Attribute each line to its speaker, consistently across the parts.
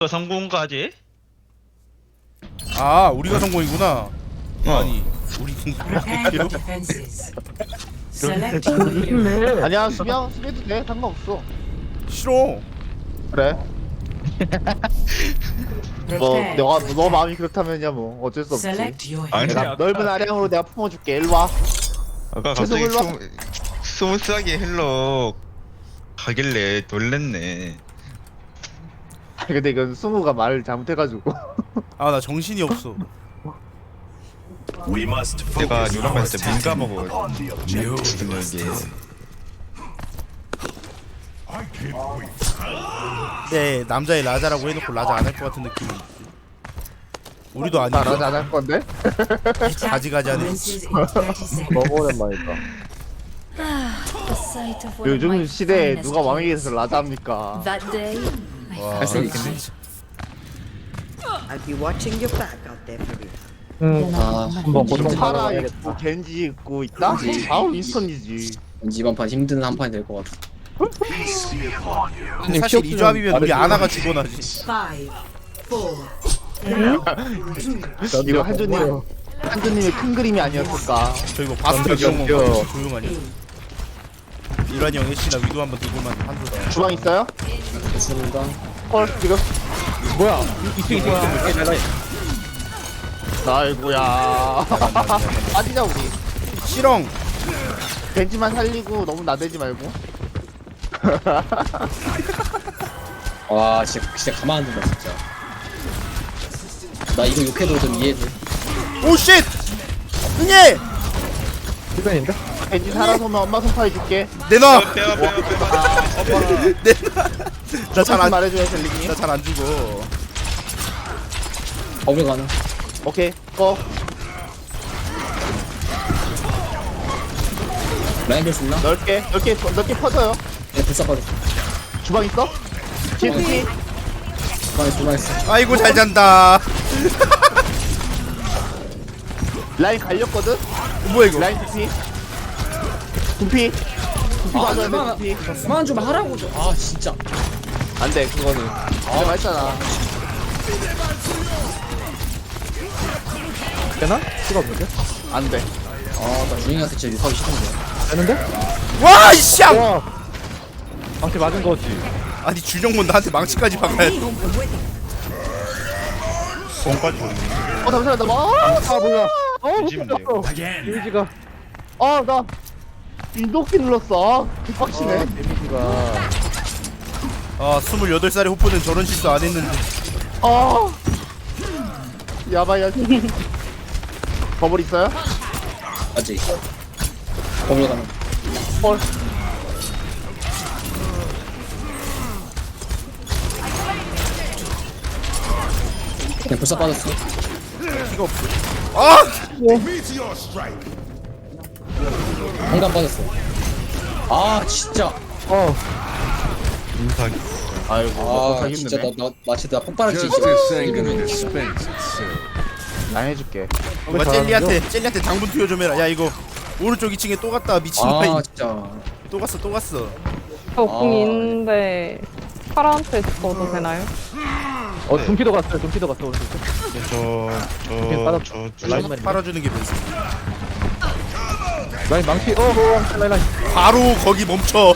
Speaker 1: 성공까지?
Speaker 2: 아 우리가 성공이구나.
Speaker 1: 어.
Speaker 2: 아니 우리
Speaker 3: Prepare defenses. Select your hero.
Speaker 4: 아니야 수비해도 돼 상관없어.
Speaker 2: 싫어.
Speaker 4: 그래 뭐
Speaker 3: Prepare.
Speaker 4: 너 마음이 그렇다면야 뭐 어쩔 수 없지.
Speaker 3: Select your
Speaker 1: 아니,
Speaker 3: hero.
Speaker 4: 내가 넓은 아량으로 내가 품어줄게. 일로와.
Speaker 1: 아까
Speaker 4: 계속
Speaker 1: 갑자기
Speaker 4: 올라-
Speaker 1: 스무스하게 헬로 가길래 놀랬네.
Speaker 4: 근데 이건 승우가 말을 잘못해가지고.
Speaker 2: 아 나 정신이 없어.
Speaker 1: 내가 유럽 갔을 때 민감하고 지금 여기
Speaker 2: 네 남자의 라자라고 해놓고 라자 안 할 것 같은 느낌이. 우리도
Speaker 4: 나
Speaker 2: 아니고
Speaker 4: 라자 안할 건데.
Speaker 2: 가지가지 하네.
Speaker 3: Commences in 30 seconds.
Speaker 4: 너무 오랜만이다.
Speaker 5: The sight of one of
Speaker 4: 요즘
Speaker 5: my
Speaker 4: 시대에
Speaker 5: finest
Speaker 4: 누가 왕에게
Speaker 5: days.
Speaker 4: 돼서 라자 합니까?
Speaker 5: That day, I
Speaker 2: 와,
Speaker 5: felt
Speaker 2: 근데
Speaker 6: I'll be watching your back out there for you.
Speaker 7: 한번 고정
Speaker 4: 파라
Speaker 7: 받아야겠다.
Speaker 4: 있고 겐지 있고 있다? 바로 윈스턴이지.
Speaker 7: 이번 판 힘든 한 판이 될 것 같아.
Speaker 2: 사실 이 조합이면 우리 아나가 죽어나지.
Speaker 3: 5, 4,
Speaker 4: 이거 한조님의 큰 그림이 아니었을까.
Speaker 2: 저 이거 바스터 기억 조용하냐. 이란이 형 애쉬나 위도 한번 들고만 한조다.
Speaker 4: 주방 있어요?
Speaker 7: 좋습니다.
Speaker 4: 헐 지금
Speaker 7: 뭐야? 이승
Speaker 4: 아이고야. 빠지자 우리.
Speaker 2: 실ong.
Speaker 4: 겐지만 살리고 너무 나대지 말고.
Speaker 7: 와 진짜 가만 안 둔다 진짜. 나 이거 욕해도 좀 이해돼.
Speaker 2: 오 쉣. 응애.
Speaker 7: 시간인데?
Speaker 4: 겐지 살아서 오면 엄마 손 파해줄게.
Speaker 2: 내놔.
Speaker 1: 빼와
Speaker 2: 나잘 안.
Speaker 4: 말해줘야 셀리니.
Speaker 2: 나 잘 안 죽어.
Speaker 7: 거기 가는.
Speaker 4: 오케이 꺼.
Speaker 7: 라인 볼수 있나?
Speaker 4: 넓게 퍼져요.
Speaker 7: 네 불사 빠졌어.
Speaker 4: 주방 있어? GT
Speaker 7: 주방에 있어.
Speaker 2: 아이고 잘 잔다.
Speaker 4: 라인 갈렸거든?
Speaker 2: 뭐야 이거?
Speaker 4: 라인 DP DP 맞아야
Speaker 7: 그만
Speaker 4: 돼 DP.
Speaker 7: 그만 좀 하라고 좀. 아 진짜.
Speaker 4: 안돼 그거는 내가 했잖아.
Speaker 7: 되나? 수가 없는데?
Speaker 4: 안돼.
Speaker 7: 아나 주인한테 진짜 유사하기 싫은데. 되는데?
Speaker 2: 와 이씨.
Speaker 7: 방치 맞은 거지.
Speaker 2: 아니 준영몬 나한테 망치까지 박아야 돼.
Speaker 1: 손까지
Speaker 4: 잠시만 나 아 뭐야
Speaker 1: 뒤집는데요.
Speaker 4: 데미지가 나 인도키 눌렀어. 빡치네. 데미지가
Speaker 2: 아 28살의 호프는 저런 실수 안 했는데.
Speaker 4: 야바야. 버블 있어요?
Speaker 7: 맞지? 거기 가는.
Speaker 4: 헐.
Speaker 7: 그냥 불사 빠졌어.
Speaker 2: 피가 없어. 아!
Speaker 7: 공간 빠졌어. 아 진짜.
Speaker 1: 인사기.
Speaker 4: 아이고
Speaker 7: 아 진짜
Speaker 4: 힘드네.
Speaker 7: 나 진짜 폭발할지.
Speaker 4: 난 해줄게.
Speaker 2: 누가 젤리한테 당분 투여 좀 해라. 야 이거 오른쪽 2층에 또 갔다 미친
Speaker 7: 아
Speaker 2: 마이.
Speaker 7: 진짜.
Speaker 2: 또 갔어.
Speaker 8: 저궁 있는데 파라한테 줘도 되나요?
Speaker 7: 둠피도 갔어요. 둠피도 갔어.
Speaker 1: 저
Speaker 2: 라인 팔아주는 게 베스트.
Speaker 7: 라인 망치. 라인.
Speaker 2: 바로 거기 멈춰.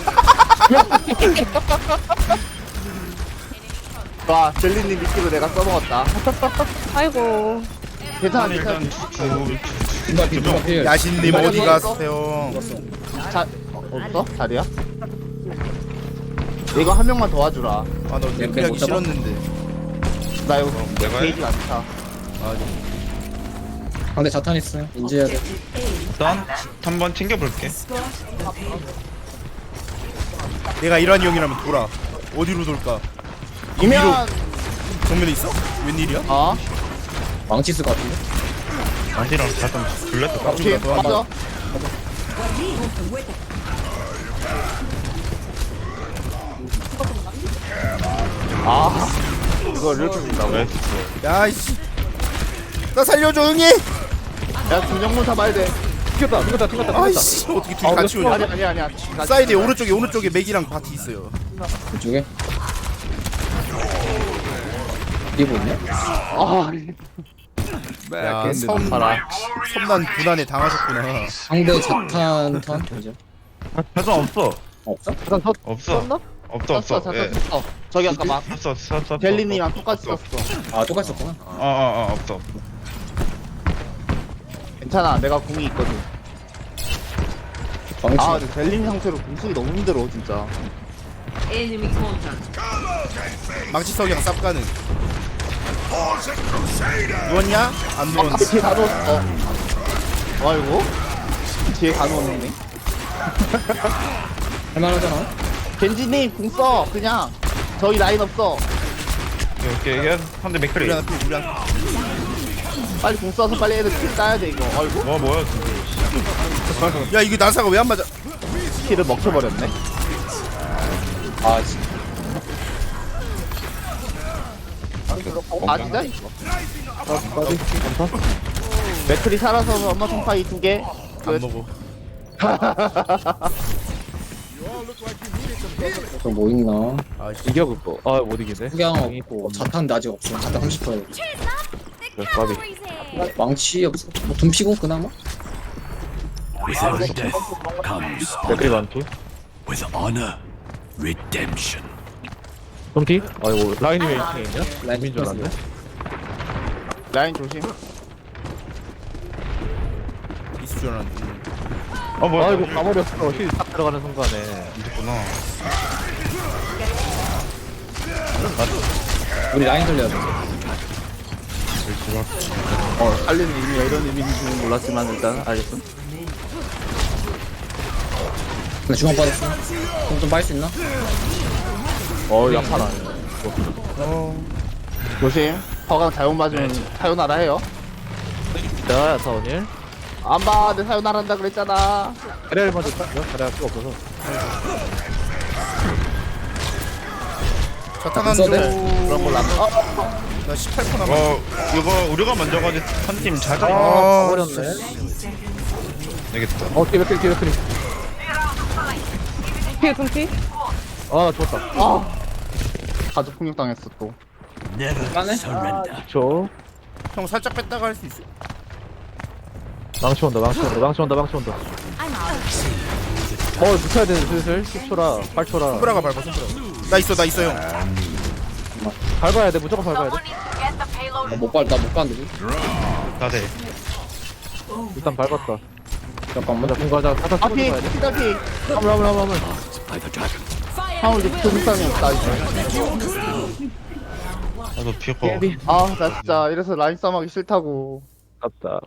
Speaker 4: 와 젤리님 미끼로 내가 써먹었다.
Speaker 8: 아이고
Speaker 4: 괜찮아 괜찮아.
Speaker 7: 누가 필.
Speaker 2: 야신님 어디 가세요?
Speaker 4: 없어? 자리야? 이거 한 명만 도와주라.
Speaker 2: 아나 준비하기 싫었는데.
Speaker 4: 나 이거
Speaker 1: 내가 해?
Speaker 4: 게이지 많다.
Speaker 7: 상대 자탄 있어요. 인지해야 돼.
Speaker 1: 일단 한번 챙겨볼게.
Speaker 2: 내가 이란이 형이라면 돌아. 어디로 돌까?
Speaker 4: 이면
Speaker 2: 정면에 있어? 웬일이야?
Speaker 7: 망치 쓸 것 같은데.
Speaker 1: 안티랑 잠깐 불렀다.
Speaker 4: 오케이 맞아. 이걸 이렇게 준다고?
Speaker 1: 왜?
Speaker 2: 야이씨. 나 살려줘 응애.
Speaker 4: 야 김정문 잡아야 돼.
Speaker 7: 튕겼다.
Speaker 2: 아이씨 어떻게 둘이 같이 오냐?
Speaker 4: 아니야.
Speaker 2: 사이드에 오른쪽에 맥이랑 바티 있어요.
Speaker 7: 그쪽에. 이거 있네?
Speaker 4: 아
Speaker 2: 야,
Speaker 4: 근데 봐라.
Speaker 2: 섬난 군안에 당하셨구나.
Speaker 7: 상대 자탄 턴? 이제
Speaker 1: 자탄 없어.
Speaker 7: 없어?
Speaker 4: 잠깐 더
Speaker 1: 없어.
Speaker 4: 썼나?
Speaker 1: 없어
Speaker 4: 썼어
Speaker 1: 없어.
Speaker 4: 잠깐
Speaker 1: 예.
Speaker 4: 썼어. 저기 아까 막
Speaker 1: 썼어.
Speaker 4: 젤리님이랑 똑같이 썼어.
Speaker 7: 아 똑같이 썼구나.
Speaker 1: 없어.
Speaker 4: 괜찮아 내가 궁이 있거든.
Speaker 7: 방치.
Speaker 4: 아 근데 젤리님 상태로 궁 쓰기 너무 힘들어 진짜.
Speaker 3: Enemy contact.
Speaker 2: 망치 석양 쌉가는. 누웠냐? 안 누웠어.
Speaker 4: 앞에 뒤에 다 넣었어. 아이고 뒤에 다 넣었네.
Speaker 7: 할만하잖아.
Speaker 4: 겐지님 궁 써 그냥. 저희 라인 없어.
Speaker 1: 이게 상대 맥크리.
Speaker 2: 우리 하나 피, 우리 하나.
Speaker 4: 빨리 궁 써서 빨리 애들 킬 따야 돼 이거. 아이고
Speaker 1: 뭐야?
Speaker 2: 야, 이게 나사가 왜 안 맞아?
Speaker 4: 킬을 먹혀버렸네.
Speaker 7: 아 진짜.
Speaker 4: 아 진짜? 맥클이 살아서 엄마 통파이 2개.
Speaker 2: 안 먹어.
Speaker 7: 또뭐 있나?
Speaker 2: 아, 씨.
Speaker 9: 이겨 그거. 아 못 이기네.
Speaker 7: 후경 없고 자탄 아직 없어. 자탄 30%.
Speaker 9: 까비.
Speaker 7: 망치 없어. 뭐 둠피고 그나마?
Speaker 9: 댓글이 많기. 덤피? 아이고 라인이 왜 2층에 있냐?
Speaker 7: 라인
Speaker 9: 민줄 알았네.
Speaker 4: 라인 조심.
Speaker 2: 있을 줄 알았는데.
Speaker 1: 뭐야?
Speaker 9: 아이고 가버렸어. 힐 딱 들어가는 순간에.
Speaker 1: 있구나.
Speaker 7: 우리 라인 돌려야 돼.
Speaker 4: 살리는 의미가 이런 의미인지는 몰랐지만 일단 알겠어.
Speaker 7: 나 중앙 빠졌어. 좀 빠질 수 있나?
Speaker 4: 약하다. 조심. 허강 잘못 맞으면 사요나라 해요.
Speaker 9: 자 사원일.
Speaker 4: 안 봐, 내 사요나라 한다 그랬잖아.
Speaker 9: 자리를 먼저 땄죠. 자리가 필요 없어서.
Speaker 2: 자탄 한
Speaker 7: 써도
Speaker 2: 조.
Speaker 7: 돼?
Speaker 4: 그런 걸로 안 봐.
Speaker 2: 나 18% 남았어.
Speaker 1: 이거 우리가 먼저 가지 한팀 자자.
Speaker 2: 아,
Speaker 9: 가버렸네.
Speaker 1: 되겠다.
Speaker 9: 뒤에 맥크리.
Speaker 8: 피해 둠피?
Speaker 9: 아 좋았다.
Speaker 4: 가족 폭력 당했어 또.
Speaker 7: 까네?
Speaker 9: 저
Speaker 2: 형 살짝 뺐다가 할 수 있어.
Speaker 9: 망치 온다. 붙여야 되는 슬슬 10초라 8초라.
Speaker 2: 손브라가 밟아, 손브라. 나 있어, 형.
Speaker 9: 밟아야 돼. 무조건 밟아야 돼.
Speaker 7: 못 가는데.
Speaker 1: 다들.
Speaker 9: 일단 밟았다.
Speaker 7: 잠깐만.
Speaker 9: 먼저 공가자. 타타 쓰고
Speaker 4: 앞이,
Speaker 9: 가야 돼.
Speaker 4: 피다피.
Speaker 9: 화물.
Speaker 4: 형을 이제 붙은 사람이 없다 이제.
Speaker 1: 나도 피고.
Speaker 4: 나 진짜 이래서 라인 싸움하기 싫다고.
Speaker 9: 아깝다.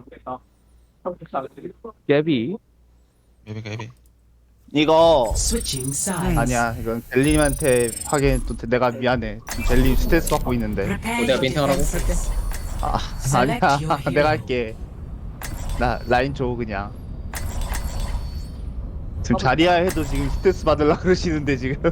Speaker 9: 깨비.
Speaker 1: 예비.
Speaker 3: Switching sides.
Speaker 4: 아니야, 이건 젤리님한테 하기엔 또 내가 미안해. 지금 젤리 스트레스 받고 있는데.
Speaker 3: Prepare
Speaker 7: 내가
Speaker 3: your
Speaker 7: 멘팅하라고?
Speaker 3: defenses.
Speaker 4: 아니야, 내가 할게. 나 라인 줘 그냥. 지금 자리야 해도 지금 스트레스 받으려 그러시는데 지금.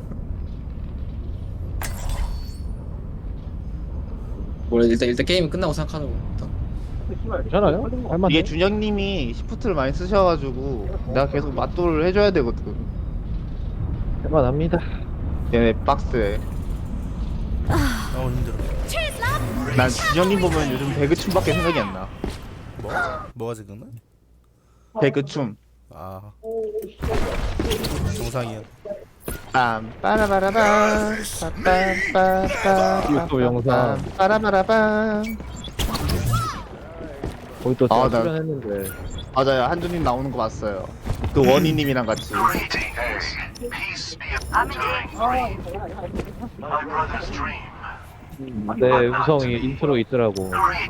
Speaker 7: 원래 일단 게임이 끝나고 생각하는 거.
Speaker 9: 괜찮아요? 할만해.
Speaker 4: 이게 준영님이 시프트를 많이 쓰셔가지고 내가 계속 맞돌을 해줘야 되거든.
Speaker 9: 할만합니다.
Speaker 4: 얘네 박스에.
Speaker 2: 힘들어.
Speaker 4: 난 준영님 보면 요즘 배그춤밖에 생각이 안 나.
Speaker 2: 뭐가 생각나?
Speaker 4: 배그춤.
Speaker 2: 아. 정상이야.
Speaker 4: 빠라바라밤 빠빰빠빰
Speaker 9: 유튜브 영상.
Speaker 4: 빠라바라밤.
Speaker 9: 거기 또
Speaker 4: 아,
Speaker 9: 제가
Speaker 4: 나-
Speaker 9: 출연했는데.
Speaker 4: 맞아요, 한준님 나오는 거 봤어요. 그 원희님이랑 같이.
Speaker 9: 내 음성이 인트로 있더라고.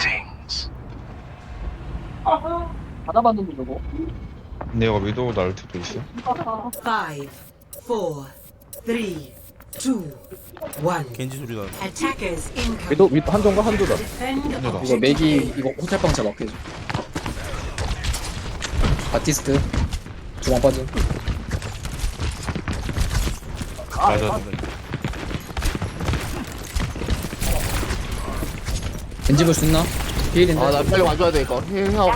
Speaker 7: 받아봤는데 저거.
Speaker 1: 근데 이거 위도우 나르트도 있어.
Speaker 3: 5, 4, 3, 2, 1.
Speaker 2: 겐지 소리 나네.
Speaker 3: Attackers incoming.
Speaker 9: 위도 한조인가 한조다.
Speaker 3: Defend
Speaker 7: 이거
Speaker 3: objective
Speaker 7: 맥이
Speaker 3: A.
Speaker 7: 이거 호텔방차 막혀줘. 바티스트 중앙 빠진.
Speaker 1: 맞아.
Speaker 7: 벤지 볼 수 있나? 비일인데.
Speaker 4: 나 빨리 와줘야 돼 이거. 형.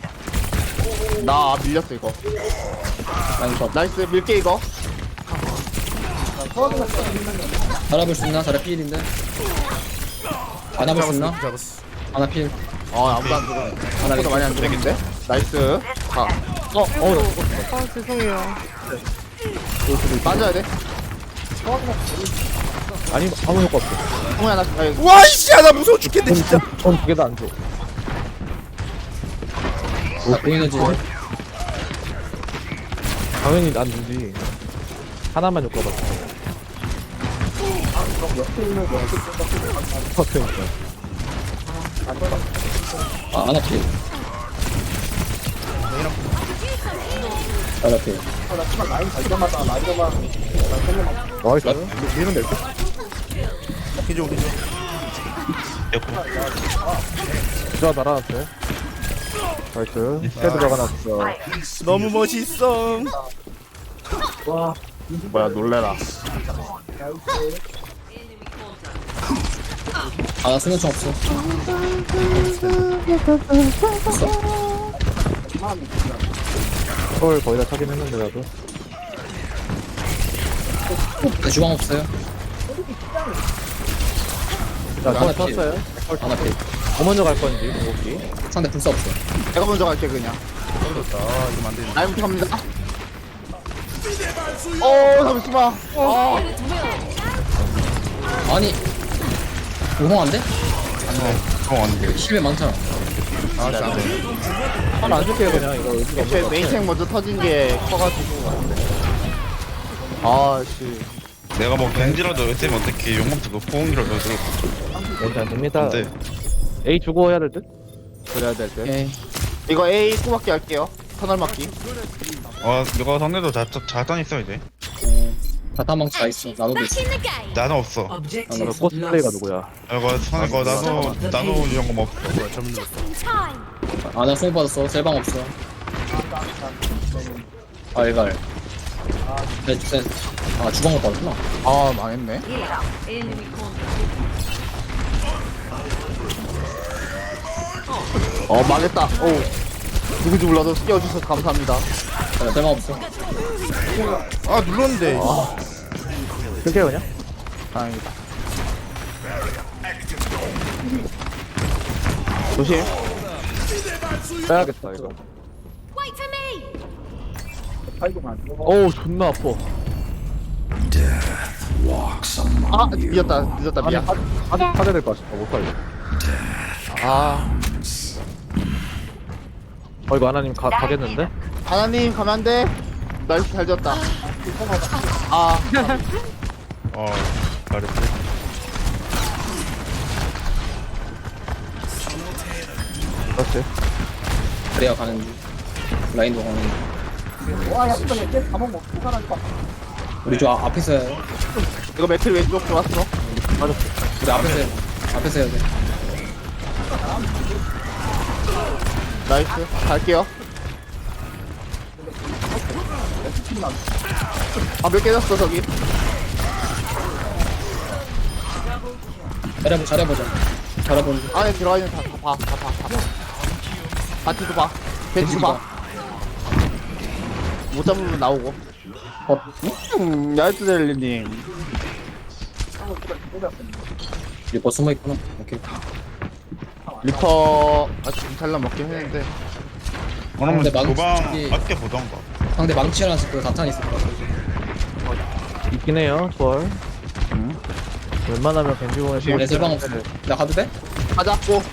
Speaker 4: 나 밀렸어 이거.
Speaker 7: 라인 컷.
Speaker 4: 나이스, 밀게 이거.
Speaker 7: 달아볼 수 있나? 달아 비일인데. 안 잡을 수 있나?
Speaker 2: 잡았어.
Speaker 7: 하나 필.
Speaker 4: 아무도 안 죽어.
Speaker 7: 하나
Speaker 4: 아무도 많이 안 죽었는데? 나이스. 가.
Speaker 8: 아, 죄송해요.
Speaker 4: 빠져야 돼.
Speaker 9: 아니 아무 효과 없어.
Speaker 4: 형이 하나, 아니,
Speaker 2: 와 이씨 나 무서워 죽겠네 진짜.
Speaker 9: 전두 개도 안 줘.
Speaker 7: 나 공인해지.
Speaker 9: 당연히 안 주지. 하나만 효과 받어. 퍼센트.
Speaker 7: 하나 필. 하나 필.
Speaker 9: 나이스. 미는 될 듯.
Speaker 2: 기죠 기죠.
Speaker 9: 진짜 날아왔어요. 나이스. 헤드 박아놨어.
Speaker 2: 너무 멋있어.
Speaker 4: 뭐야, 놀래라.
Speaker 7: 나 쓰는 총 없어.
Speaker 9: 서울 거의 다 차긴 했는데 나도.
Speaker 7: 나 주방 없어요.
Speaker 9: 자,
Speaker 7: 하나
Speaker 9: 서
Speaker 7: 필.
Speaker 9: 쳤어요.
Speaker 7: 하나 필.
Speaker 9: 뭐 먼저 갈 건지, 목기.
Speaker 7: 상대 불사 없어.
Speaker 4: 내가 먼저 갈게, 그냥.
Speaker 2: 떨어졌다. 이러면 안 되는데.
Speaker 4: 나이부터 갑니다. 잠시만.
Speaker 7: 아니. 우홍한데?
Speaker 1: 안돼
Speaker 7: 실패 많잖아.
Speaker 2: 진짜 안 돼.
Speaker 9: 하나 안 줄게요, 그냥. 이거 의지가
Speaker 4: 제
Speaker 9: 없는 것
Speaker 4: 메인탱 먼저 터진 게 커가지고. 씨.
Speaker 1: 내가 뭐 겐지라도 했으면 어떻게 용감도 그 포옹이라도 들고
Speaker 9: 같아. 괜찮습니다.
Speaker 1: 안돼
Speaker 9: A 주고 해야 될 듯?
Speaker 4: 그래야 될 듯.
Speaker 7: 오케이.
Speaker 4: 이거 A 꼬박기 할게요. 터널 막기.
Speaker 1: 이거 상대도 자탄 있어 이제
Speaker 7: 다타망치 다 있어. 나도 있어.
Speaker 1: 나는 없어
Speaker 3: Objective
Speaker 9: 코스플레이가
Speaker 3: lost.
Speaker 9: 누구야?
Speaker 1: 이거 나도 이런 거 뭐 없어
Speaker 2: 뭐야 잘못 눌렀어.
Speaker 7: 나 수능 받았어. 셀방 없어. 알갈. 주방 못 받았구나.
Speaker 4: 망했네.
Speaker 3: Enemy contact.
Speaker 4: 망했다. 누군지 몰라도 끼워주셔서 감사합니다.
Speaker 7: 나 셀방 없어.
Speaker 2: 아 눌렀는데.
Speaker 9: 줄게요, 그냥.
Speaker 4: 다행이다. 조심.
Speaker 9: 빼야겠다, 이거. 어우, 존나 아파.
Speaker 4: 늦었다, 미안.
Speaker 9: 하자 될것 같아. 못 살려. 이거 하나님 가겠는데?
Speaker 4: 하나님, 가면 안 돼. 나이스, 잘 지었다.
Speaker 1: 잘했어
Speaker 9: 그렇지.
Speaker 7: 그래야 가는 중. 라인도 가는 중. 우리 저 앞에서 해야 돼.
Speaker 4: 이거 매트리 왼쪽 들어왔어.
Speaker 7: 우리 앞에서 해야 돼.
Speaker 4: 나이스. 갈게요. 몇 개 졌어, 저기.
Speaker 7: 잘해보자. 잘해보는 중.
Speaker 4: 안에 들어와 있는 다 봐. 바티도 봐. 벤치도 봐. 못 잡으면 나오고. 야이트델리님.
Speaker 7: 리퍼 숨어있구나. 오케이.
Speaker 4: 리퍼, 아직 잘라 먹긴 했는데.
Speaker 1: 그러면
Speaker 7: 근데
Speaker 1: 도방
Speaker 7: 저기-
Speaker 1: 아껴 보던가
Speaker 7: 상대 망치랑 그 다탄 있을 거야.
Speaker 9: 있긴 해요, 투얼. 웬만하면 겐지공에서
Speaker 7: 내 셀방 없어. 나 가도 돼?
Speaker 4: 가자고.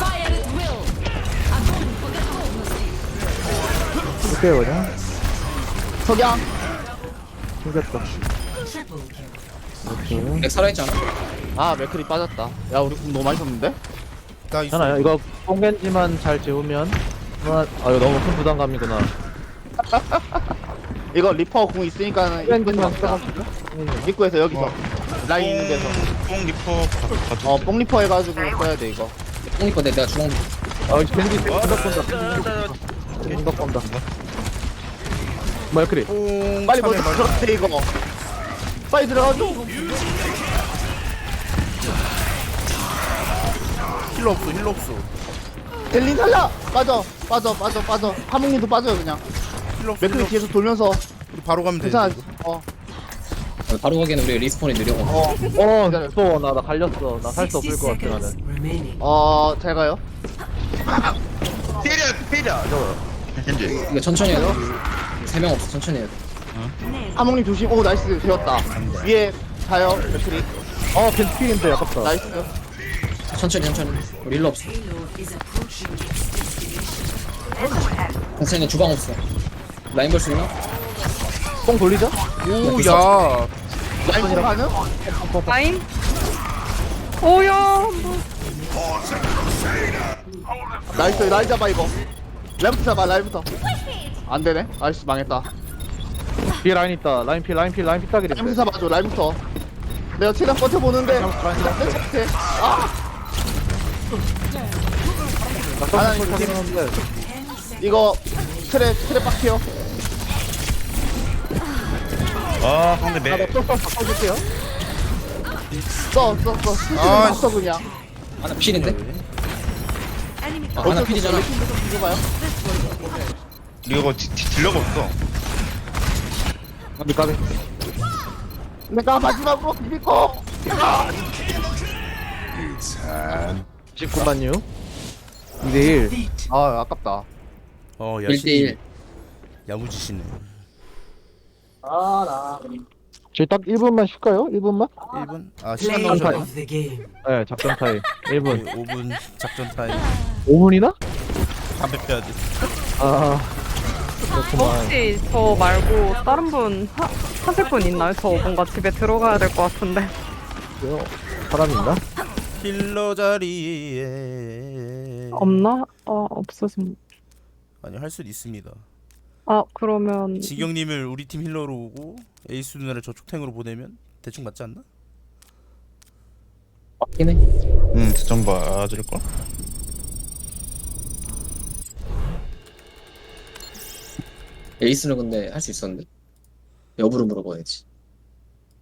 Speaker 9: 줄게요, 그냥.
Speaker 4: 석양.
Speaker 9: 생겼다.
Speaker 7: 렉 살아있지 않아?
Speaker 4: 맥클이 빠졌다. 야, 우리 공 너무 많이 썼는데?
Speaker 2: 나 있어.
Speaker 9: 괜찮아요. 이거 뽕겐지만 잘 재우면 이거 너무 큰 부담감이구나.
Speaker 4: 이거 리퍼 공 있으니까 입구에서
Speaker 9: 뽕겐지만
Speaker 4: 막자.
Speaker 9: 써가지고.
Speaker 4: 입구에서 여기서. 라인 있는 데서.
Speaker 1: 뽕 리퍼 가도
Speaker 4: 뽕 리퍼 해가지고 써야 돼, 이거.
Speaker 7: 뽕니까 내가 주방
Speaker 9: 이거 겐지 생각 본다. 생각 본다. 뭐야, 크리?
Speaker 4: 빨리 먼저 들어가세요, 이거. 빨리 들어가줘.
Speaker 2: 힐러 없어.
Speaker 4: 델린 살려! 빠져. 하몽님도 빠져요, 그냥.
Speaker 2: 힐러 없어.
Speaker 4: 맥클이 뒤에서 돌면서.
Speaker 2: 우리 바로 가면 돼.
Speaker 4: 괜찮아.
Speaker 7: 바로 가기에는 우리 리스폰이 느려.
Speaker 9: 나 갈렸어. 나 살 수 없을 것 같아, 나는.
Speaker 4: 잘 가요.
Speaker 1: 때려 저거 겐지.
Speaker 7: 이거 천천히 해야 돼. 3명 없어. 천천히 해야 돼.
Speaker 4: 하몽님 조심. 오, 나이스. 되었다. 위에 가요. 맥크리.
Speaker 9: 겐트필인데, 아깝다.
Speaker 4: 나이스.
Speaker 7: 천천히. 우리 일로 없어. 천천히 주방 없어. 라인 볼 수 있나?
Speaker 4: 뽕 돌리죠?
Speaker 2: 오야
Speaker 4: 라인 뽕 가능?
Speaker 8: 라인? 오야.
Speaker 4: 나이스. 라인 잡아, 이거. 라인부터 잡아, 라인부터. 안 되네. 아이씨, 망했다.
Speaker 9: 뒤에 라인 있다. 라인 필 따기인데.
Speaker 4: 라인부터 잡아줘, 라인부터. 내가 최대한 버텨보는데. 내 착해. 하나님 조심. 이거 트랩 빡해요.
Speaker 1: 아 상대 매.
Speaker 4: 바꿔줄게요. 써.
Speaker 2: 아,
Speaker 4: 써 그냥.
Speaker 7: 하나 필인데? 하나 필이잖아.
Speaker 4: 이거 봐요.
Speaker 1: 이거 딜러가 없어.
Speaker 9: 까비.
Speaker 4: 내가 마지막으로 비비고.
Speaker 9: 19만유. 2대1.
Speaker 4: 아, 아깝다.
Speaker 2: 야신이
Speaker 7: 1대1.
Speaker 2: 야무지시네.
Speaker 9: 저희 딱 1분만 쉴까요? 1분만?
Speaker 2: 1분? 아 시간 나오잖아.
Speaker 9: 네, 작전 타임. 1분.
Speaker 2: 5분 작전 타임.
Speaker 9: 5분이나?
Speaker 2: 담배 빼야지.
Speaker 9: 그렇구만.
Speaker 8: 혹시 저 말고 다른 분 하실 분 있나요? 저 뭔가 집에 들어가야 될 것 같은데.
Speaker 9: 사람 있나?
Speaker 2: 힐러 자리에
Speaker 8: 없나? 없으신.
Speaker 2: 아니 할 수는 있습니다.
Speaker 8: 그러면
Speaker 2: 지경님을 우리 팀 힐러로 오고 에이스 누나를 저쪽 탱으로 보내면 대충 맞지 않나?
Speaker 7: 맞긴 해.
Speaker 1: 좀 봐줄 걸.
Speaker 7: 에이스는 근데 할 수 있었는데. 여부를 물어봐야지.